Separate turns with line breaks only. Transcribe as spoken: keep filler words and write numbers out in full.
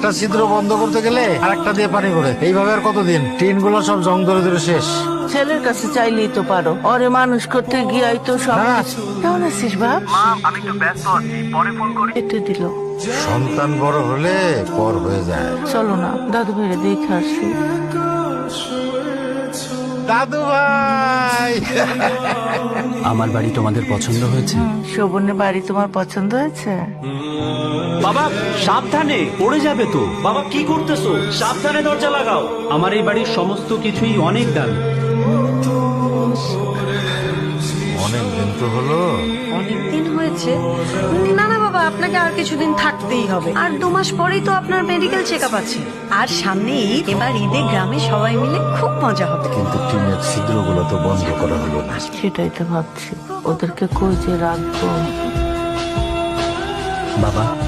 একটা ছিদ্র বন্ধ করতে গেলে আর একটা দিয়ে পানি করে, এইভাবে আর কতদিন? টিন গুলো সব জং ধরে ধরে শেষ।
ছেলের কাছে চাইলেই তো পারো, ওরে মানুষ করতে গিয়াই তো সব
হ্যাঁ।
কিছু। কেমন আছিস বাপ?
মা আমি একটু ব্যস্ত আছি, পরে ফোন করি।
এটা দিল।
সন্তান বড় হলে পর হয়ে যায়।
চলো না দাদু ভাইরে দেখে আসি।
দাদু ভাই,
আমার বাড়ি তোমাদের পছন্দ হয়েছে?
শোভনের বাড়ি তোমার পছন্দ হয়েছে?
বাবা সাবধানে, পড়ে যাবে তো। বাবা কি করতেছো? সাবধানে দরজা লাগাও। আমার এই বাড়ির সমস্ত কিছুই অনেক দামি।
অনেক দিন তো হলো।
অনেকদিন হয়েছে। না না বাবা, আপনাকে আর কিছুদিন থাকতেই হবে। আর দু মাস পরেই তো আপনার মেডিকেল চেক আপ আছে। আর সামনে ঈদ, এবার ঈদে গ্রামে সবাই মিলে খুব মজা হবে।
কিন্তু টিনের ছিদ্রগুলো তো বন্ধ করা হলো না।
সেটাই তো ভাবছি, ওদেরকে কই যে রাখবো।
বাবা